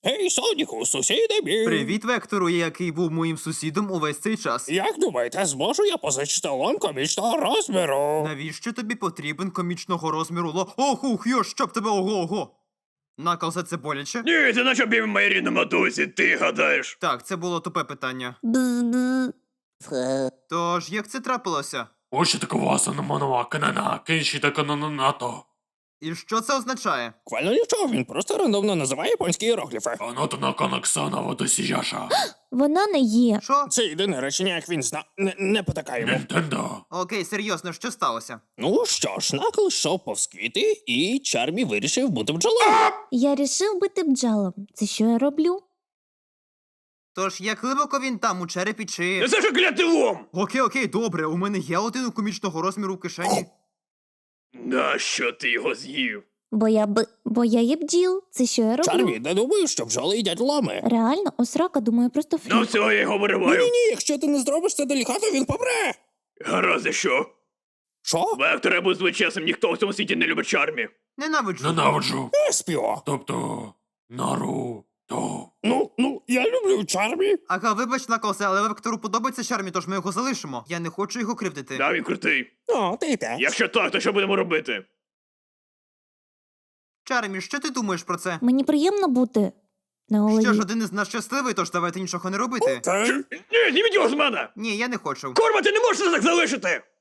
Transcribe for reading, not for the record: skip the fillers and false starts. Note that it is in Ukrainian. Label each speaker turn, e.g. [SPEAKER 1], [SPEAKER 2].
[SPEAKER 1] Гей, Соніку, сусіди мій!
[SPEAKER 2] Привіт, Вектору, який був моїм сусідом увесь цей час.
[SPEAKER 1] Як думаєте, зможу я позичити лом комічного розміру?
[SPEAKER 2] Навіщо тобі потрібен комічного розміру Ох, ух, йо, щоб тебе ого-ого. Наклзе, це боляче?
[SPEAKER 3] Ні, це наче бім моїй рідній матусі, ти гадаєш.
[SPEAKER 2] Так, це було тупе питання. Тож, як це трапилося?
[SPEAKER 4] Ось такого саноманова канана, кенші та канонато.
[SPEAKER 2] І що це означає?
[SPEAKER 1] Буквально нічого, він просто рандомно називає японські іерогліфи.
[SPEAKER 4] Аното на канаксана водосіяша.
[SPEAKER 5] Вона не є.
[SPEAKER 2] Що?
[SPEAKER 1] Це єдине речення, як він зна... Не потакаємо.
[SPEAKER 4] Нінтендо.
[SPEAKER 2] Окей, серйозно, що сталося?
[SPEAKER 1] Ну що ж, Накл йшов повз квіти, і Чармі вирішив бути бджолою.
[SPEAKER 5] Я рішив бути бджалом. Це що я роблю?
[SPEAKER 2] Тож, як глибоко він там, у черепі чи...
[SPEAKER 3] Це ж клятий лом!
[SPEAKER 2] Окей, добре, у мене є один комічного розміру в кишені.
[SPEAKER 3] Нащо ти його з'їв?
[SPEAKER 5] Бо я є бджіл. Це що я роблю?
[SPEAKER 1] Чармі, не думаю, що бджоли їдять ломи.
[SPEAKER 5] Реально, осрака, думаю, просто
[SPEAKER 3] Ну
[SPEAKER 5] фрік.
[SPEAKER 3] все, я його вириваю.
[SPEAKER 1] Ні, якщо ти не зробиш це делікатно, він помре.
[SPEAKER 3] Гаразд, і що?
[SPEAKER 1] Що?
[SPEAKER 3] Вектор, я буду чесним, ніхто в цьому світі не любить Чармі.
[SPEAKER 2] Ненавиджу.
[SPEAKER 4] Ненавиджу.
[SPEAKER 1] Еспіо.
[SPEAKER 4] Тобто, Наруто.
[SPEAKER 1] Ну, я люблю Чармі.
[SPEAKER 2] Ага, вибач, Наклзе, але Вектору подобається Чармі, тож ми його залишимо. Я не хочу його кривдити.
[SPEAKER 3] Да, він крутий.
[SPEAKER 1] О, ти те.
[SPEAKER 3] Якщо так, то що будемо робити?
[SPEAKER 2] Чармі, що ти думаєш про це?
[SPEAKER 5] Мені приємно бути на
[SPEAKER 2] Що ж,
[SPEAKER 5] голові.
[SPEAKER 2] один із нас щасливий, тож давайте нічого не робити.
[SPEAKER 1] Окей.
[SPEAKER 3] Ні, зніміть його з мене!
[SPEAKER 2] Ні, я не хочу.
[SPEAKER 3] Корма, ти не можеш це так залишити!